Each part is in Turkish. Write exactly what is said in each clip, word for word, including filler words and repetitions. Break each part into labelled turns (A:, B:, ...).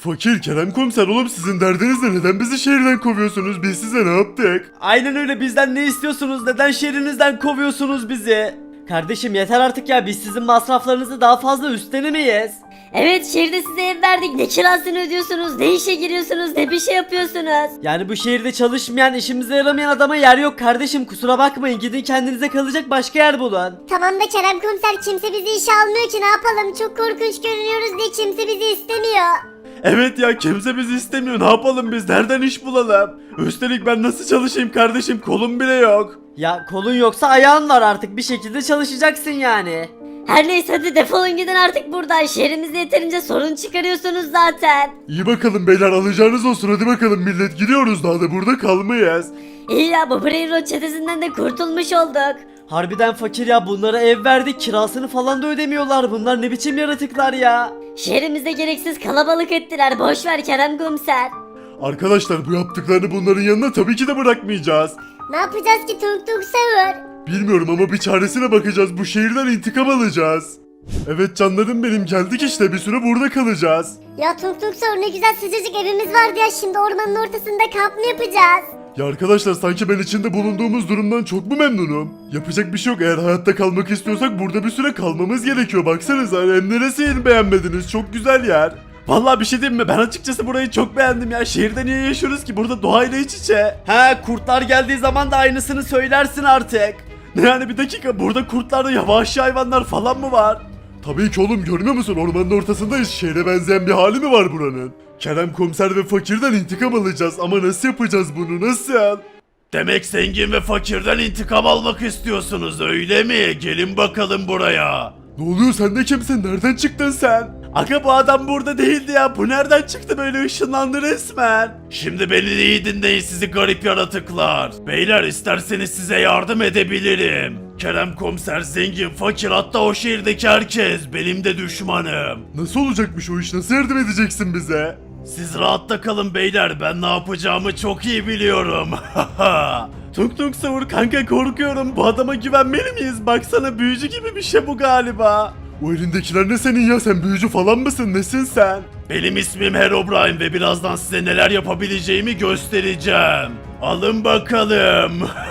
A: Fakir Kerem komiser oğlum sizin derdiniz ne? Neden bizi şehirden kovuyorsunuz? Biz size ne yaptık?
B: Aynen öyle, bizden ne istiyorsunuz? Neden şehrinizden kovuyorsunuz bizi? Kardeşim yeter artık ya, biz sizin masraflarınızı daha fazla üstlenemeyiz.
C: Evet, şehirde size ev verdik. Ne kirasını ödüyorsunuz, ne işe giriyorsunuz, ne bir şey yapıyorsunuz.
B: Yani bu şehirde çalışmayan, işimize yaramayan adama yer yok kardeşim, kusura bakmayın, gidin kendinize kalacak başka yer bulun.
D: Tamam da Kerem komiser, kimse bizi işe almıyor ki, ne yapalım? Çok korkunç görünüyoruz diye kimse bizi istemiyor.
A: Evet ya kimse bizi istemiyor. Ne yapalım biz? Nereden iş bulalım? Üstelik ben nasıl çalışayım kardeşim? Kolum bile yok.
B: Ya kolun yoksa ayağın var, artık bir şekilde çalışacaksın yani.
C: Her neyse, hadi defolun gidin artık buradan. Şehrimizde yeterince sorun çıkarıyorsunuz zaten.
A: İyi bakalım beyler, alacağınız olsun. Hadi bakalım millet, gidiyoruz, daha da burada kalmayız.
C: İyi ya, bu Brain Rot çetesinden de kurtulmuş olduk.
B: Harbiden fakir ya, bunlara ev verdik, kirasını falan da ödemiyorlar, bunlar ne biçim yaratıklar ya.
C: Şehrimizde gereksiz kalabalık ettiler. Boş ver Kerem komiser.
A: Arkadaşlar bu yaptıklarını bunların yanına tabii ki de bırakmayacağız.
D: Ne yapacağız ki Tung Tung Sahur?
A: Bilmiyorum ama bir çaresine bakacağız. Bu şehirden intikam alacağız. Evet canlarım benim, geldik işte, bir süre burada kalacağız.
D: Ya Tung Tung Sahur, ne güzel sıcacık evimiz vardı ya, şimdi ormanın ortasında kamp mı yapacağız?
A: Ya arkadaşlar sanki ben içinde bulunduğumuz durumdan çok mu memnunum? Yapacak bir şey yok, eğer hayatta kalmak istiyorsak burada bir süre kalmamız gerekiyor. Baksanıza hem neresini beğenmediniz, çok güzel yer. Vallahi bir şey diyeyim mi, ben açıkçası burayı çok beğendim ya. Şehirde niye yaşıyoruz ki, burada doğayla iç içe.
B: He, kurtlar geldiği zaman da aynısını söylersin artık.
A: Ne yani, bir dakika, burada kurtlarda yavaşçı hayvanlar falan mı var? Tabii ki oğlum, görmüyor musun, ormanın ortasındayız, şehre benzeyen bir hali mi var buranın? Kerem komiser ve fakirden intikam alacağız ama nasıl yapacağız bunu, nasıl? Demek zengin ve fakirden intikam almak istiyorsunuz öyle mi? Gelin bakalım buraya. Ne oluyor, sen de kimsin, nereden çıktın sen? Aga bu adam burada değildi ya, bu nereden çıktı böyle, ışınlandı resmen. Şimdi beni iyi dinleyin sizi garip yaratıklar. Beyler isterseniz size yardım edebilirim. Kerem komiser, zengin, fakir, hatta o şehirdeki herkes benim de düşmanım. Nasıl olacakmış o iş, nasıl yardım edeceksin bize? Siz rahatta kalın beyler, ben ne yapacağımı çok iyi biliyorum. Tung Tung Sahur kanka, korkuyorum, bu adama güvenmeli miyiz? Baksana büyücü gibi bir şey bu galiba. O elindekiler ne senin ya, sen büyücü falan mısın, nesin sen? Benim ismim Herobrine ve birazdan size neler yapabileceğimi göstereceğim. Alın bakalım.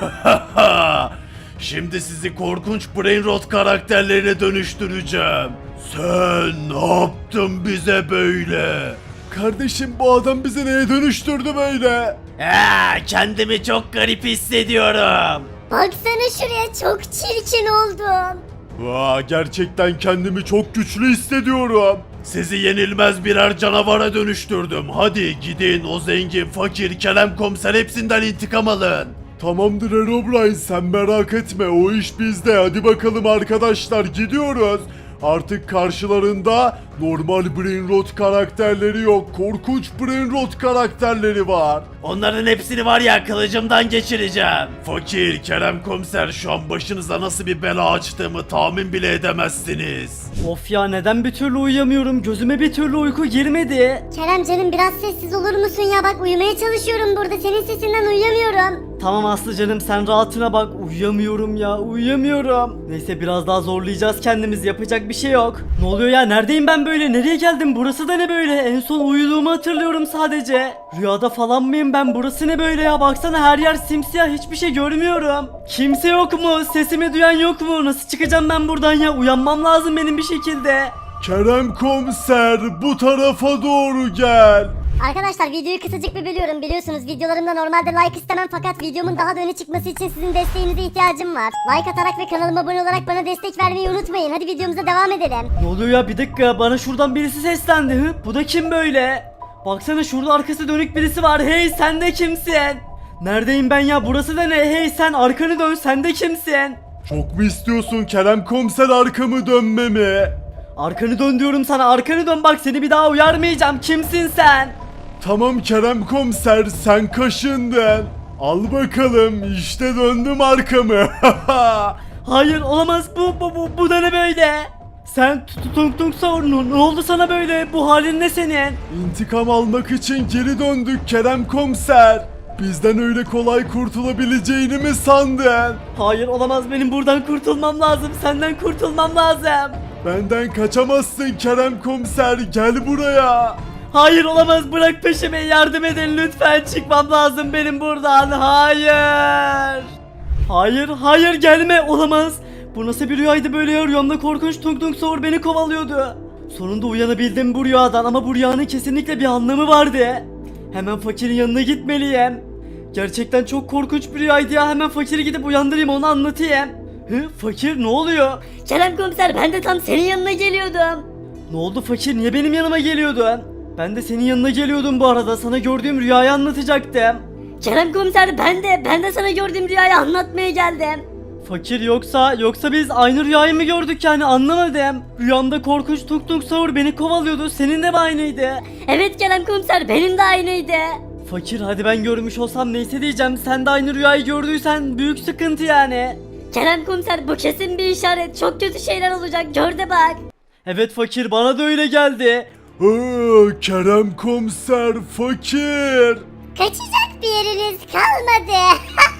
A: Şimdi sizi korkunç Brain Rot karakterlerine dönüştüreceğim. Sen ne yaptın bize böyle? Kardeşim bu adam bizi neye dönüştürdü böyle? Eee kendimi çok garip hissediyorum.
D: Baksana şuraya, çok çirkin oldum.
A: Vaa, gerçekten kendimi çok güçlü hissediyorum. Sizi yenilmez birer canavara dönüştürdüm. Hadi gidin, o zengin, fakir, Kerem komiser hepsinden intikam alın. Tamamdır Herobrine, sen merak etme, o iş bizde. Hadi bakalım arkadaşlar, gidiyoruz. Artık karşılarında normal Brain Rot karakterleri yok, korkunç Brain Rot karakterleri var. Onların hepsini var ya, kılıcımdan geçireceğim. Fakir, Kerem komiser, şu an başınıza nasıl bir bela açtığımı tahmin bile edemezsiniz.
B: Of ya, neden bir türlü uyuyamıyorum, gözüme bir türlü uyku girmedi.
D: Kerem canım, biraz sessiz olur musun ya, bak uyumaya çalışıyorum burada, senin sesinden uyuyamıyorum.
B: Tamam Aslı canım, sen rahatına bak, uyuyamıyorum ya, uyuyamıyorum. Neyse biraz daha zorlayacağız kendimizi, yapacak bir şey yok. Ne oluyor ya, neredeyim ben böyle, nereye geldim, burası da ne böyle? En son uyuduğumu hatırlıyorum sadece. Rüyada falan mıyım ben, burası ne böyle ya, baksana her yer simsiyah, hiçbir şey görmüyorum. Kimse yok mu, sesimi duyan yok mu, nasıl çıkacağım ben buradan ya, uyanmam lazım benim bir şekilde.
A: Kerem komiser, bu tarafa doğru gel.
D: Arkadaşlar videoyu kısacık bir bölüyorum, biliyorsunuz videolarımda normalde like istemem, fakat videomun daha da öne çıkması için sizin desteğinize ihtiyacım var. Like atarak ve kanalıma abone olarak bana destek vermeyi unutmayın. Hadi videomuza devam edelim.
B: Ne oluyor ya, bir dakika, bana şuradan birisi seslendi. Hı? Bu da kim böyle? Baksana şurada arkası dönük birisi var. Hey, sen de kimsin? Neredeyim ben ya, burası da ne? Hey sen, arkanı dön, sen de kimsin?
A: Çok mu istiyorsun Kerem komiser arkamı dönmemi?
B: Arkanı dön diyorum sana, arkanı dön, bak seni bir daha uyarmayacağım, kimsin sen?
A: Tamam Kerem komiser, sen kaşındın. Al bakalım, işte döndüm arkamı.
B: Hayır olamaz, bu bu bu, bu da ne böyle? Sen Tung Tung Sahur, ne oldu sana böyle, bu halin ne senin?
A: İntikam almak için geri döndük Kerem komiser. Bizden öyle kolay kurtulabileceğini mi sandın?
B: Hayır olamaz, benim buradan kurtulmam lazım, senden kurtulmam lazım.
A: Benden kaçamazsın Kerem komiser, gel buraya.
B: Hayır olamaz, bırak peşimi, yardım edin lütfen, çıkmam lazım benim buradan. Hayır. Hayır hayır gelme, olamaz. Bu nasıl bir rüyaydı böyle ya? Rüyamda korkunç Tung Tung Sahur beni kovalıyordu. Sonunda uyanabildim bu rüyadan ama bu rüyanın kesinlikle bir anlamı vardı. Hemen fakirin yanına gitmeliyim. Gerçekten çok korkunç bir rüyaydı ya, hemen fakiri gidip uyandırayım, onu anlatayım. Hı, fakir ne oluyor?
C: Kerem komiser, ben de tam senin yanına geliyordum.
B: Ne oldu fakir, niye benim yanıma geliyordun? Ben de senin yanına geliyordum bu arada, sana gördüğüm rüyayı anlatacaktım.
C: Kerem komiser, ben de ben de sana gördüğüm rüyayı anlatmaya geldim.
B: Fakir yoksa yoksa biz aynı rüyayı mı gördük yani, anlamadım. Rüyamda korkunç Tung Tung Sahur beni kovalıyordu, senin de mi aynıydı?
C: Evet Kerem komiser, benim de aynıydı.
B: Fakir hadi ben görmüş olsam neyse diyeceğim, sen de aynı rüyayı gördüysen büyük sıkıntı yani.
C: Kerem komiser, bu kesin bir işaret. Çok kötü şeyler olacak, gör de bak.
B: Evet fakir, bana da öyle geldi.
A: Aa, Kerem komiser fakir.
D: Kaçacak bir yeriniz kalmadı.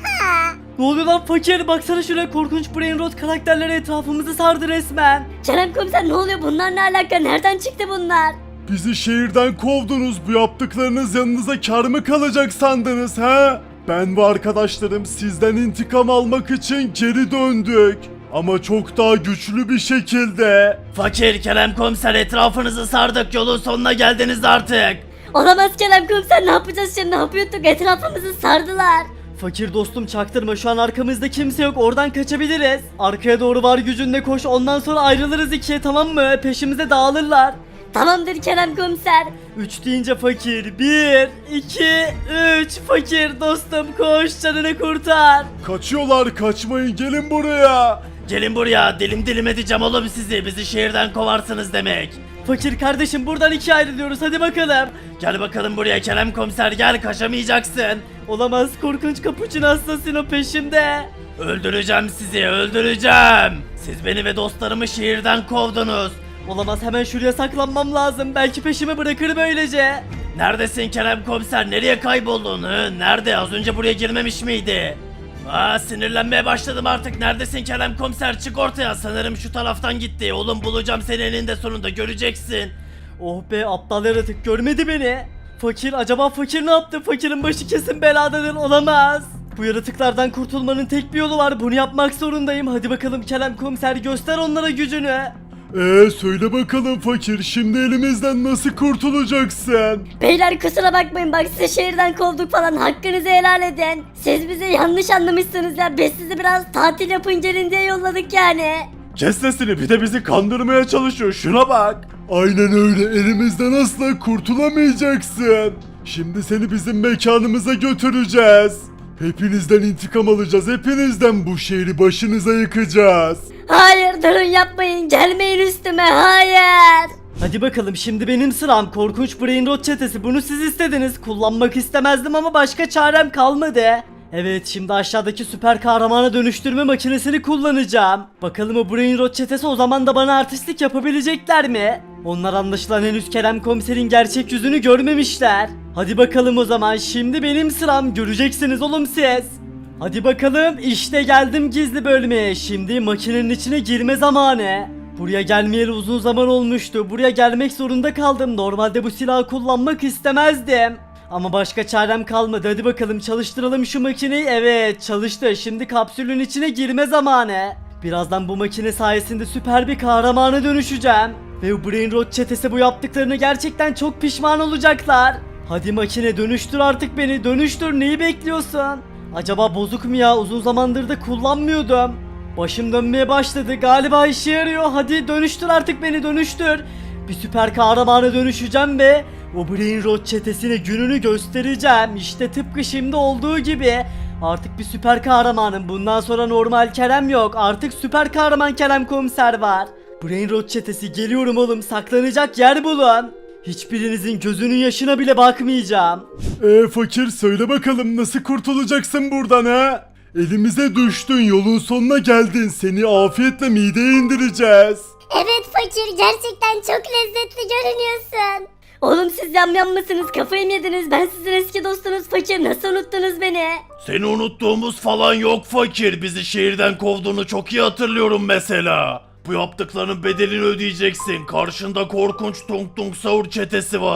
B: Ne oluyor lan fakir, baksana şuraya, korkunç Brain Rot karakterleri etrafımızı sardı resmen.
C: Kerem komiser, ne oluyor, bunlar ne alaka, nereden çıktı bunlar?
A: Bizi şehirden kovdunuz. Bu yaptıklarınız yanınıza kar mı kalacak sandınız ha? Ben ve arkadaşlarım sizden intikam almak için geri döndük. Ama çok daha güçlü bir şekilde.
B: Fakir, Kerem komiser, etrafınızı sardık, yolun sonuna geldiniz artık.
C: Olamaz Kerem komiser, ne yapacağız şimdi, ne yapıyorduk, etrafımızı sardılar.
B: Fakir dostum çaktırma, şu an arkamızda kimse yok, oradan kaçabiliriz. Arkaya doğru var gücünle koş, ondan sonra ayrılırız ikiye, tamam mı? Peşimize dağılırlar.
C: Tamamdır Kerem komiser.
B: Üç deyince fakir, bir, iki, üç, fakir dostum koş, canını kurtar.
A: Kaçıyorlar, kaçmayın, gelin buraya.
B: Gelin buraya, dilim dilim edeceğim oğlum sizi, bizi şehirden kovarsınız demek. Fakir kardeşim, buradan ikiye ayrılıyoruz, hadi bakalım. Gel bakalım buraya Kerem komiser, gel, kaçamayacaksın. Olamaz, korkunç Capuchin Assassino peşimde. Öldüreceğim sizi, öldüreceğim. Siz beni ve dostlarımı şehirden kovdunuz. Olamaz, hemen şuraya saklanmam lazım, belki peşimi bırakır böylece. Neredesin Kerem komiser, nereye kayboldun? Hı? Nerede, az önce buraya girmemiş miydi? Aa, sinirlenmeye başladım artık. Neredesin Kerem komiser, çık ortaya. Sanırım şu taraftan gitti. Oğlum bulacağım seni eninde sonunda, göreceksin. Oh be, aptal yaratık görmedi beni. Fakir, acaba fakir ne yaptı? Fakirin başı kesin beladadır, olamaz. Bu yaratıklardan kurtulmanın tek bir yolu var, bunu yapmak zorundayım. Hadi bakalım Kerem komiser, göster onlara gücünü.
A: Ee söyle bakalım fakir, şimdi elimizden nasıl kurtulacaksın?
C: Beyler kusura bakmayın, bak sizi şehirden kovduk falan, hakkınızı helal edin. Siz bizi yanlış anlamışsınız ya, biz sizi biraz tatil yapın gelin diye yolladık yani.
A: Kes sesini, bir de bizi kandırmaya çalışıyor, şuna bak. Aynen öyle, elimizden asla kurtulamayacaksın. Şimdi seni bizim mekanımıza götüreceğiz. Hepinizden intikam alacağız, hepinizden, bu şehri başınıza yıkacağız.
C: Hayır durun, yapmayın, gelmeyin üstüme, hayır.
B: Hadi bakalım, şimdi benim sıram. Korkunç Brain Rot çetesi, bunu siz istediniz. Kullanmak istemezdim ama başka çarem kalmadı. Evet, şimdi aşağıdaki süper kahramana dönüştürme makinesini kullanacağım. Bakalım o Brain Rot çetesi o zaman da bana artistlik yapabilecekler mi? Onlar anlaşılan henüz Kerem komiserin gerçek yüzünü görmemişler. Hadi bakalım o zaman, şimdi benim sıram, göreceksiniz oğlum siz. Hadi bakalım, işte geldim gizli bölmeye. Şimdi makinenin içine girme zamanı. Buraya gelmeyeli uzun zaman olmuştu. Buraya gelmek zorunda kaldım. Normalde bu silahı kullanmak istemezdim. Ama başka çarem kalmadı. Hadi bakalım çalıştıralım şu makineyi. Evet, çalıştı. Şimdi kapsülün içine girme zamanı. Birazdan bu makine sayesinde süper bir kahramana dönüşeceğim. Ve bu Brain Rot çetesi bu yaptıklarını gerçekten çok pişman olacaklar. Hadi makine, dönüştür artık beni. Dönüştür, neyi bekliyorsun? Acaba bozuk mu ya? Uzun zamandır da kullanmıyordum. Başım dönmeye başladı. Galiba işe yarıyor. Hadi dönüştür artık beni, dönüştür. Bir süper kahramana dönüşeceğim ve o Brain Rot çetesine gününü göstereceğim. İşte tıpkı şimdi olduğu gibi. Artık bir süper kahramanım. Bundan sonra normal Kerem yok. Artık süper kahraman Kerem komiser var. Brain Rot çetesi, geliyorum oğlum. Saklanacak yer bulun. Hiçbirinizin gözünün yaşına bile bakmayacağım.
A: Ee fakir, söyle bakalım, nasıl kurtulacaksın buradan ha? Elimize düştün, yolun sonuna geldin, seni afiyetle mideye indireceğiz.
D: Evet fakir, gerçekten çok lezzetli görünüyorsun.
C: Oğlum siz yamyam mısınız, kafayı mı yediniz, ben sizin eski dostunuz fakir, nasıl unuttunuz beni?
E: Seni unuttuğumuz falan yok fakir. Bizi şehirden kovduğunu çok iyi hatırlıyorum mesela. Bu yaptıklarının bedelini ödeyeceksin. Karşında korkunç Tung Tung Sahur çetesi var.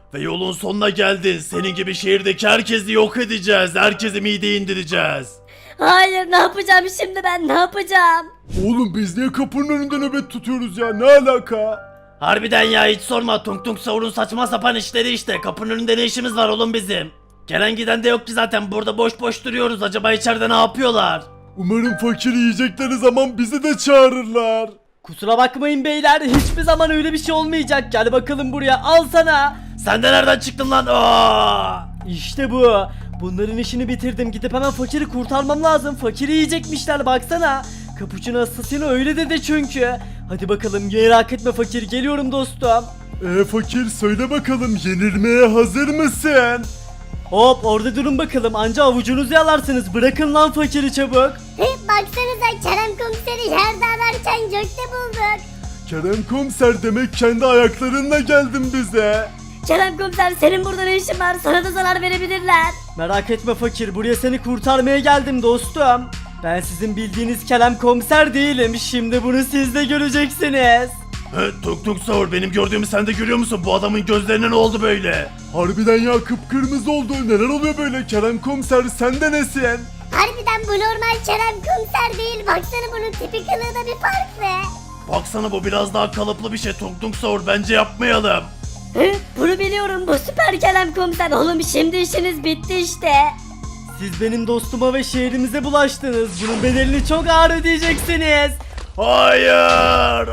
E: Ve yolun sonuna geldin. Senin gibi şehirdeki herkesi yok edeceğiz. Herkesi mideye indireceğiz.
C: Hayır, ne yapacağım şimdi ben, ne yapacağım?
A: Oğlum biz niye kapının önünde nöbet tutuyoruz ya? Ne alaka?
E: Harbiden ya, hiç sorma. Tung Tung Savur'un saçma sapan işleri işte. Kapının önünde ne işimiz var oğlum bizim? Gelen giden de yok ki zaten. Burada boş boş duruyoruz. Acaba içeride ne yapıyorlar?
A: Umarım fakir yiyecekleri zaman bizi de çağırırlar.
B: Kusura bakmayın beyler, hiçbir zaman öyle bir şey olmayacak. Gel bakalım buraya, al sana.
E: Sen de nereden çıktın lan? Aa!
B: İşte bu. Bunların işini bitirdim. Gidip hemen fakiri kurtarmam lazım. Fakiri yiyecekmişler, baksana. Capuchino Assassino öyle dedi çünkü. Hadi bakalım, merak etme fakir, geliyorum dostum.
A: Ee fakir söyle bakalım yenilmeye hazır mısın?
B: Hop, orada durun bakalım, anca avucunuzu yalarsınız. Bırakın lan fakiri çabuk.
D: Hı, baksanıza Kerem komiseri yerde ararken gökte bulduk.
A: Kerem komiser demek kendi ayaklarınla geldin bize.
C: Kerem komiser, senin burada ne işin var? Sana da zarar verebilirler.
B: Merak etme fakir, buraya seni kurtarmaya geldim dostum. Ben sizin bildiğiniz Kerem komiser değilim. Şimdi bunu siz de göreceksiniz.
E: He, Tung Tung Savur, benim gördüğümü sen de görüyor musun? Bu adamın gözlerine ne oldu böyle?
A: Harbiden ya kıpkırmızı oldu. Neler oluyor böyle Kerem komiser sen de nesin?
D: Harbiden bu normal Kerem komiser değil. Baksana bunun tipi kılığı da bir farklı.
E: Baksana, bu biraz daha kalıplı bir şey. Tung Tung Savur, bence yapmayalım.
C: Hı, bunu biliyorum, bu süper Kerem komiser. Oğlum şimdi işiniz bitti işte.
B: Siz benim dostuma ve şehrimize bulaştınız. Bunun bedelini çok ağır ödeyeceksiniz.
E: Hayır!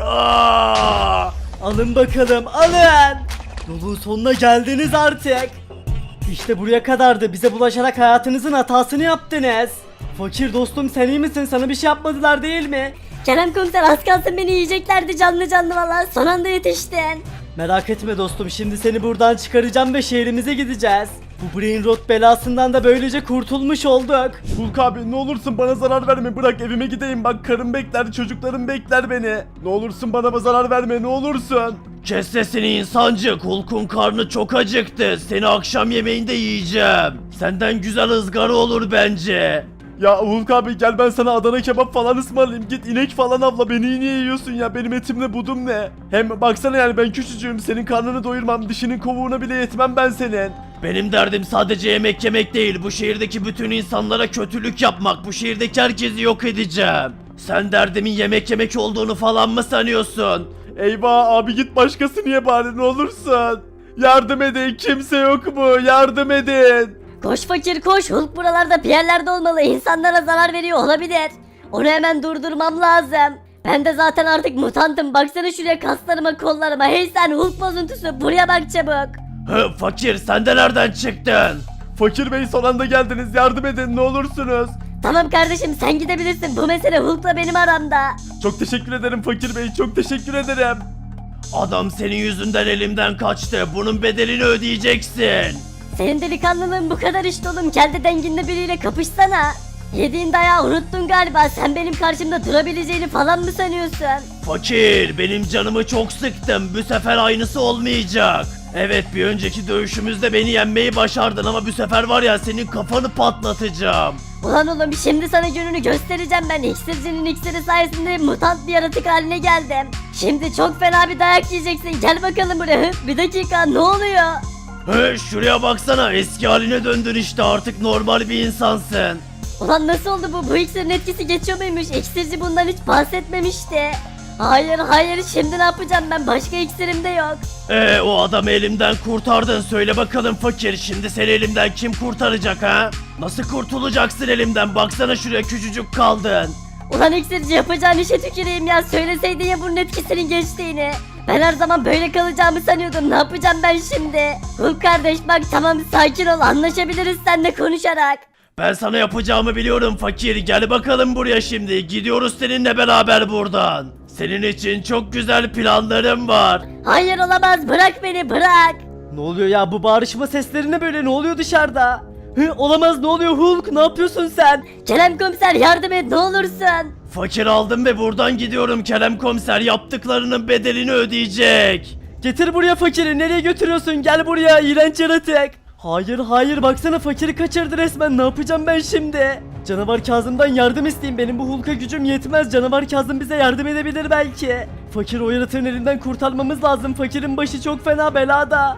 E: Aa!
B: Alın bakalım, alın. Yolun sonuna geldiniz artık. İşte buraya kadardı. Bize bulaşarak hayatınızın hatasını yaptınız. Fakir dostum, sen iyi misin? Sana bir şey yapmadılar değil mi?
C: Kerem komiser, az kalsın beni yiyeceklerdi canlı canlı valla. Son anda yetiştin.
B: Merak etme dostum, şimdi seni buradan çıkaracağım ve şehrimize gideceğiz. Bu Brain Rot belasından da böylece kurtulmuş olduk.
A: Hulk abi ne olursun bana zarar verme, bırak evime gideyim, bak karım bekler, çocuklarım bekler beni. Ne olursun bana zarar verme, ne olursun.
E: Kes sesini insancık. Hulk'un karnı çok acıktı. Seni akşam yemeğinde yiyeceğim. Senden güzel ızgara olur bence.
A: Ya Hulk abi gel ben sana Adana kebap falan ısmarlayayım, git inek falan avla, beni niye yiyorsun ya, benim etimle budum ne? Hem baksana yani ben küçücüğüm, senin karnını doyurmam, dişinin kovuğuna bile yetmem ben senin.
E: Benim derdim sadece yemek yemek değil. Bu şehirdeki bütün insanlara kötülük yapmak. Bu şehirdeki herkesi yok edeceğim. Sen derdimin yemek yemek olduğunu falan mı sanıyorsun?
A: Eyvah abi git başkası niye bari ne olursun. Yardım edin, kimse yok mu, yardım edin.
C: Koş fakir koş, Hulk buralarda bir yerlerde olmalı. İnsanlara zarar veriyor olabilir. Onu hemen durdurmam lazım. Ben de zaten artık mutantım. Baksana şuraya, kaslarıma, kollarıma. Hey sen Hulk bozuntusu, buraya bak çabuk.
E: Hı, fakir, sen de nereden çıktın?
A: Fakir bey son anda geldiniz, yardım edin ne olursunuz.
C: Tamam kardeşim, sen gidebilirsin. Bu mesele Hulk'la benim aramda.
A: Çok teşekkür ederim fakir bey, çok teşekkür ederim.
E: Adam senin yüzünden elimden kaçtı. Bunun bedelini ödeyeceksin.
C: Senin delikanlılığın bu kadar işte oğlum. Kendi denginde biriyle kapışsana. Yediğin dayağı unuttun galiba. Sen benim karşımda durabileceğini falan mı sanıyorsun?
E: Fakir, benim canımı çok sıktın. Bu sefer aynısı olmayacak. Evet, bir önceki dövüşümüzde beni yenmeyi başardın ama bu sefer var ya, senin kafanı patlatacağım.
C: Ulan oğlum, şimdi sana gününü göstereceğim ben. İksircinin iksiri sayesinde mutant bir yaratık haline geldim. Şimdi çok fena bir dayak yiyeceksin. Gel bakalım buraya. Bir dakika, ne oluyor?
E: He, şuraya baksana, eski haline döndün işte, artık normal bir insansın.
C: Ulan nasıl oldu bu? Bu iksirin etkisi geçiyor muymuş? İksirci bundan hiç bahsetmemişti. Hayır hayır, şimdi ne yapacağım ben? Başka iksirim de yok.
E: Ee, o adamı elimden kurtardın, söyle bakalım fakir, şimdi seni elimden kim kurtaracak ha? Nasıl kurtulacaksın elimden, baksana şuraya, küçücük kaldın.
C: Ulan iksirci, yapacağın işe tüküreyim ya. Söyleseydin ya bunun etkisinin geçtiğini. Ben her zaman böyle kalacağımı sanıyordum. Ne yapacağım ben şimdi? Hulk kardeş bak, tamam sakin ol, anlaşabiliriz seninle konuşarak.
E: Ben sana yapacağımı biliyorum fakir, gel bakalım buraya şimdi, gidiyoruz seninle beraber buradan. Senin için çok güzel planlarım var.
C: Hayır olamaz, bırak beni, bırak.
B: Ne oluyor ya, bu bağırışma sesleri ne böyle, ne oluyor dışarıda? Hı, olamaz, ne oluyor Hulk, ne yapıyorsun sen?
C: Kerem komiser, yardım et ne olursun.
E: Fakir aldım ve buradan gidiyorum, Kerem komiser yaptıklarının bedelini ödeyecek.
B: Getir buraya fakiri, nereye götürüyorsun, gel buraya iğrenç yaratık. Hayır hayır, baksana fakiri kaçırdı resmen, ne yapacağım ben şimdi? Canavar Kazım'dan yardım isteyeyim, benim bu Hulk'a gücüm yetmez, Canavar Kazım bize yardım edebilir belki. Fakir o yaratığın elinden kurtarmamız lazım, fakirin başı çok fena belada.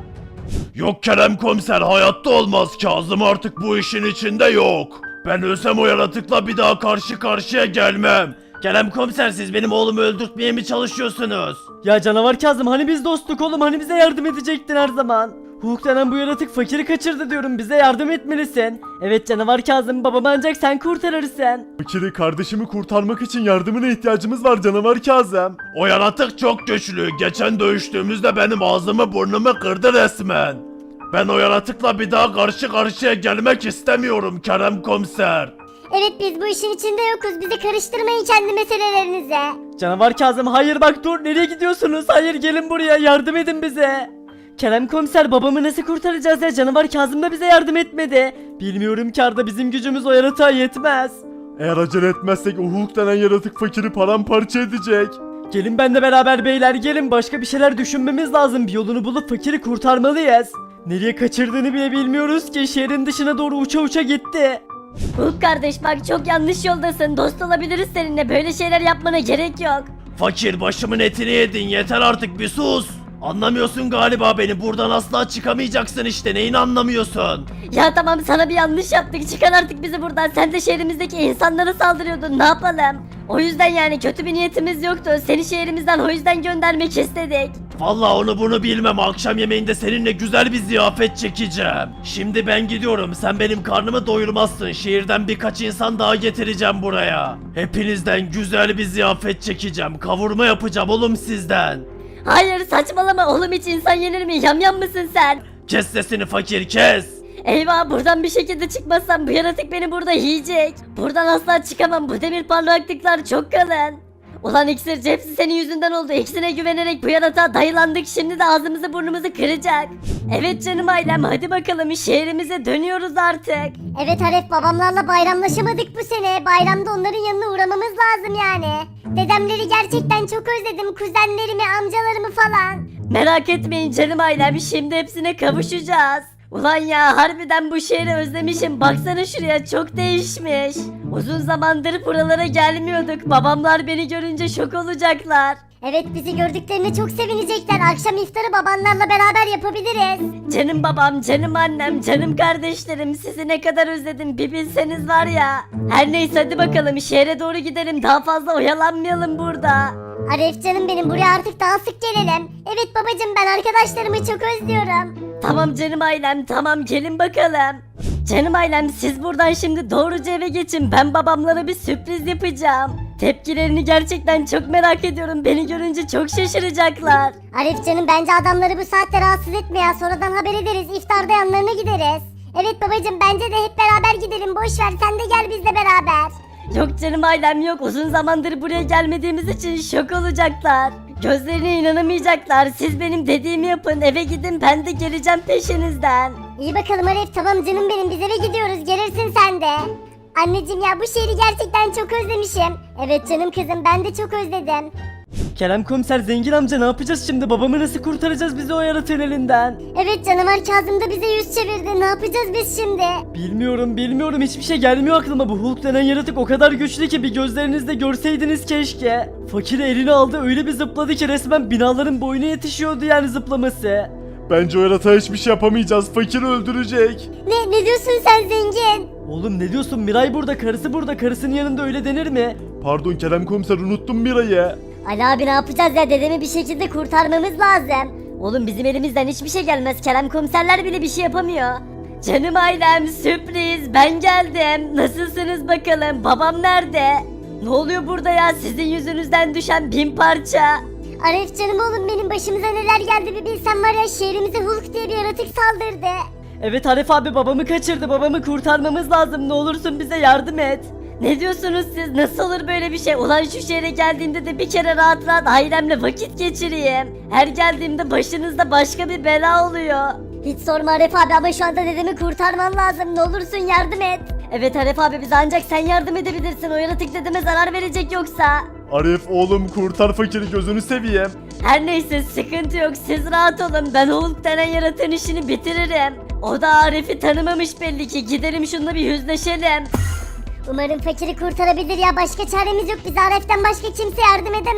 E: Yok Kerem komiser, hayatta olmaz. Kazım artık bu işin içinde yok. Ben ölsem o yaratıkla bir daha karşı karşıya gelmem. Kerem komiser, siz benim oğlumu öldürtmeye mi çalışıyorsunuz?
B: Ya canavar Kazım, hani biz dostluk oğlum, hani bize yardım edecektin her zaman. Hulk denen bu yaratık fakiri kaçırdı diyorum, bize yardım etmelisin. Evet canavar Kazım, babamı ancak sen kurtarırsın.
A: Fakiri kardeşimi kurtarmak için yardımına ihtiyacımız var canavar Kazım.
E: O yaratık çok güçlü. Geçen dövüştüğümüzde benim ağzımı burnumu kırdı resmen. Ben o yaratıkla bir daha karşı karşıya gelmek istemiyorum Kerem komiser.
D: Evet biz bu işin içinde yokuz. Bizi karıştırmayın kendi meselelerinize.
B: Canavar Kazım, hayır bak dur, nereye gidiyorsunuz? Hayır, gelin buraya, yardım edin bize. Kerem komiser, babamı nasıl kurtaracağız ya? Canavar Kazım da bize yardım etmedi. Bilmiyorum ki Arda, bizim gücümüz o yaratığa yetmez.
A: Eğer acele etmezsek o Hulk denen yaratık fakiri paramparça edecek.
B: Gelin benimle beraber beyler, gelin, başka bir şeyler düşünmemiz lazım. Bir yolunu bulup fakiri kurtarmalıyız. Nereye kaçırdığını bile bilmiyoruz ki, şehrin dışına doğru uça uça gitti.
C: Hulk kardeş bak çok yanlış yoldasın. Dost olabiliriz seninle. Böyle şeyler yapmana gerek yok.
E: Fakir, başımın etini yedin, yeter artık, bir sus. Anlamıyorsun galiba beni, buradan asla çıkamayacaksın işte, neyini anlamıyorsun?
C: Ya tamam sana bir yanlış yaptık. Çıkar artık bizi buradan. Sen de şehrimizdeki insanlara saldırıyordun. Ne yapalım? O yüzden yani kötü bir niyetimiz yoktu. Seni şehrimizden o yüzden göndermek istedik.
E: Vallahi onu bunu bilmem, akşam yemeğinde seninle güzel bir ziyafet çekeceğim. Şimdi ben gidiyorum, sen benim karnımı doyurmazsın, şehirden birkaç insan daha getireceğim buraya. Hepinizden güzel bir ziyafet çekeceğim, kavurma yapacağım oğlum sizden.
C: Hayır saçmalama oğlum, hiç insan yenir mi? Yamyam mısın sen?
E: Kes sesini fakir, kes.
C: Eyvah, buradan bir şekilde çıkmazsam bu yaratık beni burada yiyecek. Buradan asla çıkamam, bu demir parlaklıklar çok kalın. Ulan iksirci, hepsi senin yüzünden oldu. İksine güvenerek bu yaratığa dayılandık, şimdi de ağzımızı burnumuzu kıracak. Evet canım ailem, hadi bakalım şehrimize dönüyoruz artık.
D: Evet Aref, babamlarla bayramlaşamadık bu sene. Bayramda onların yanına uğramamız lazım yani. Dedemleri gerçekten çok özledim. Kuzenlerimi, amcalarımı falan.
C: Merak etmeyin canım ailem, şimdi hepsine kavuşacağız. Ulan ya, harbiden bu şehri özlemişim. Baksana şuraya, çok değişmiş. Uzun zamandır buralara gelmiyorduk. Babamlar beni görünce şok olacaklar.
D: Evet, bizi gördüklerine çok sevinecekler. Akşam iftarı babanlarla beraber yapabiliriz.
C: Canım babam, canım annem, canım kardeşlerim, sizi ne kadar özledim bir bilseniz var ya. Her neyse hadi bakalım şehre doğru gidelim, daha fazla oyalanmayalım burada.
D: Aref canım benim, buraya artık daha sık gelelim. Evet babacım, ben arkadaşlarımı çok özlüyorum.
C: Tamam canım ailem, tamam gelin bakalım. Canım ailem, siz buradan şimdi doğruca eve geçin, ben babamlara bir sürpriz yapacağım. Tepkilerini gerçekten çok merak ediyorum, beni görünce çok şaşıracaklar.
D: Aref canım, bence adamları bu saatte rahatsız etme ya. Sonradan haber ederiz, iftarda yanlarına gideriz. Evet babacım, bence de hep beraber gidelim. Boş ver, sen de gel bizle beraber.
C: Yok canım ailem yok, uzun zamandır buraya gelmediğimiz için şok olacaklar. Gözlerine inanamayacaklar, siz benim dediğimi yapın, eve gidin, ben de geleceğim peşinizden.
D: İyi bakalım Aref, tamam canım benim, biz eve gidiyoruz, gelirsin sen de. Anneciğim ya, bu şehri gerçekten çok özlemişim. Evet canım kızım, ben de çok özledim.
B: Kerem komiser, zengin amca, ne yapacağız şimdi? Babamı nasıl kurtaracağız bizi o yaratığın elinden?
D: Evet, canavar Kazım da bize yüz çevirdi, ne yapacağız biz şimdi?
B: Bilmiyorum bilmiyorum, hiçbir şey gelmiyor aklıma. Bu Hulk denen yaratık o kadar güçlü ki bir gözlerinizle görseydiniz keşke. Fakiri eline aldı, öyle bir zıpladı ki resmen binaların boyuna yetişiyordu yani zıplaması.
A: Bence o yaratığa hiçbir şey yapamayacağız. Fakiri öldürecek.
D: Ne, ne diyorsun sen zengin?
B: Oğlum ne diyorsun, Miray burada, karısı burada, karısının yanında öyle denir mi?
A: Pardon Kerem komiser, unuttum Miray'ı.
C: Ali abi ne yapacağız ya, dedemi bir şekilde kurtarmamız lazım. Oğlum bizim elimizden hiçbir şey gelmez, Kerem komiserler bile bir şey yapamıyor. Canım ailem, sürpriz, ben geldim. Nasılsınız bakalım, babam nerede? Ne oluyor burada ya, sizin yüzünüzden düşen bin parça.
D: Aref canım oğlum benim, başımıza neler geldi bir bilsen var ya, şehrimize Hulk diye bir yaratık saldırdı.
B: Evet Arif abi, babamı kaçırdı, babamı kurtarmamız lazım, ne olursun bize yardım et.
C: Ne diyorsunuz siz, nasıl olur böyle bir şey? Ulan şu şehre geldiğimde de bir kere rahat rahat ailemle vakit geçireyim. Her geldiğimde başınızda başka bir bela oluyor.
D: Hiç sorma Aref abi, ama şu anda dedemi kurtarman lazım, ne olursun yardım et.
C: Evet Arif abi, bize ancak sen yardım edebilirsin, o yaratık dedeme zarar verecek yoksa.
A: Arif oğlum, kurtar fakiri, gözünü seveyim.
C: Her neyse sıkıntı yok, siz rahat olun, ben Hulk denen yaratığın işini bitiririm. O da Arif'i tanımamış belli ki, gidelim şununla bir yüzleşelim.
D: Umarım fakiri kurtarabilir ya, başka çaremiz yok, bize Aref'ten başka kimse yardım edemez.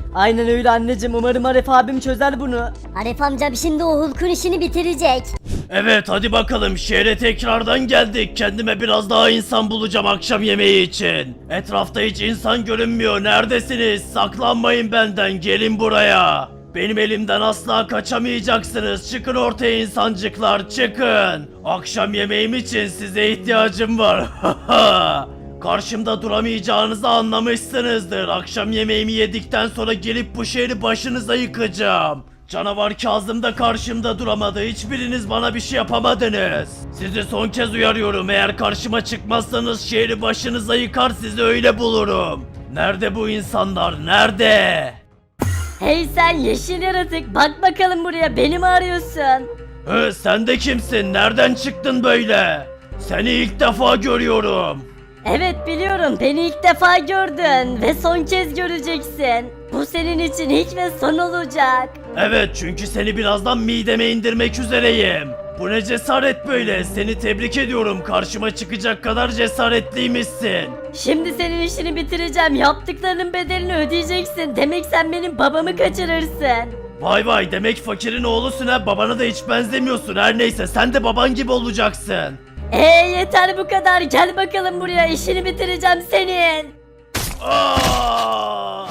B: Aynen öyle anneciğim, umarım Aref abim çözer bunu.
D: Arif amcam şimdi o Hulk'un işini bitirecek.
E: Evet hadi bakalım şehre tekrardan geldik. Kendime biraz daha insan bulacağım akşam yemeği için. Etrafta hiç insan görünmüyor. Neredesiniz? Saklanmayın benden. Gelin buraya. Benim elimden asla kaçamayacaksınız. Çıkın ortaya insancıklar çıkın. Akşam yemeğim için size ihtiyacım var. Karşımda duramayacağınızı anlamışsınızdır. Akşam yemeğimi yedikten sonra gelip bu şehri başınıza yıkacağım. Canavar Kazım da karşımda duramadı. Hiçbiriniz bana bir şey yapamadınız. Sizi son kez uyarıyorum. Eğer karşıma çıkmazsanız şehri başınıza yıkar sizi öyle bulurum. Nerede bu insanlar? Nerede?
C: Hey sen yeşil yaratık, bak bakalım buraya, beni mi arıyorsun?
E: Hı, sen de kimsin? Nereden çıktın böyle? Seni ilk defa görüyorum.
C: Evet biliyorum, beni ilk defa gördün ve son kez göreceksin. Bu senin için ilk ve son olacak.
E: Evet çünkü seni birazdan mideme indirmek üzereyim. Bu ne cesaret böyle? Seni tebrik ediyorum. Karşıma çıkacak kadar cesaretliymişsin.
C: Şimdi senin işini bitireceğim, yaptıklarının bedelini ödeyeceksin. Demek sen benim babamı kaçırırsın.
E: Vay vay demek fakirin oğlusun ha. Babana da hiç benzemiyorsun. Her neyse sen de baban gibi olacaksın.
C: Eee yeter bu kadar, gel bakalım buraya, işini bitireceğim senin.
E: Aa!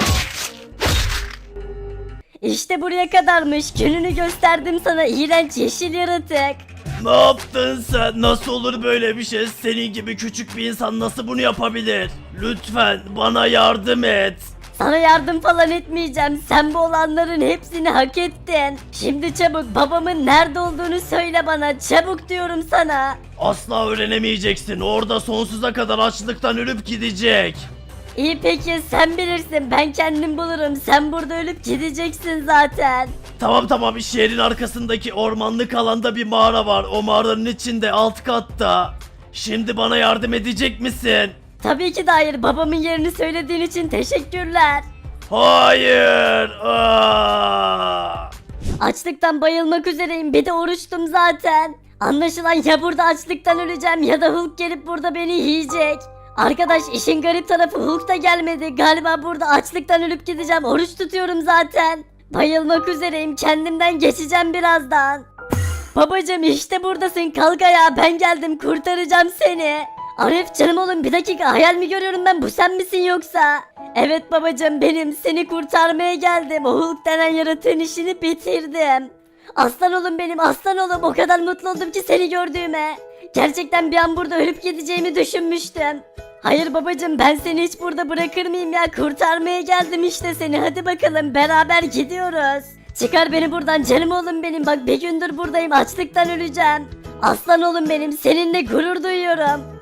C: İşte buraya kadarmış, gününü gösterdim sana iğrenç yeşil yaratık.
E: Ne yaptın sen? Nasıl olur böyle bir şey? Senin gibi küçük bir insan nasıl bunu yapabilir? Lütfen bana yardım et.
C: Sana yardım falan etmeyeceğim, sen bu olanların hepsini hak ettin. Şimdi çabuk babamın nerede olduğunu söyle bana, çabuk diyorum sana.
E: Asla öğrenemeyeceksin. Orada sonsuza kadar açlıktan ölüp gidecek.
C: İyi peki sen bilirsin, ben kendim bulurum, sen burada ölüp gideceksin zaten.
E: Tamam tamam şehrin arkasındaki ormanlık alanda bir mağara var. O mağaranın içinde alt katta. Şimdi bana yardım edecek misin?
C: Tabii ki de hayır, babamın yerini söylediğin için teşekkürler.
E: Hayır. Aa!
C: Açlıktan bayılmak üzereyim, bir de oruçtum zaten. Anlaşılan ya burada açlıktan öleceğim ya da Hulk gelip burada beni yiyecek. Arkadaş işin garip tarafı Hulk da gelmedi. Galiba burada açlıktan ölüp gideceğim. Oruç tutuyorum zaten. Bayılmak üzereyim. Kendimden geçeceğim birazdan. Babacım işte buradasın. Kalk ayağa, ben geldim. Kurtaracağım seni. Arif canım oğlum, bir dakika, hayal mi görüyorum ben, bu sen misin yoksa? Evet babacım benim, seni kurtarmaya geldim. O Hulk denen yaratığın işini bitirdim. Aslan oğlum benim, aslan oğlum, o kadar mutlu oldum ki seni gördüğüme. Gerçekten bir an burada ölüp gideceğimi düşünmüştüm. Hayır babacım, ben seni hiç burada bırakır mıyım ya, kurtarmaya geldim işte seni, hadi bakalım beraber gidiyoruz. Çıkar beni buradan canım oğlum benim, bak bir gündür buradayım, açlıktan öleceğim. Aslan oğlum benim, seninle gurur duyuyorum.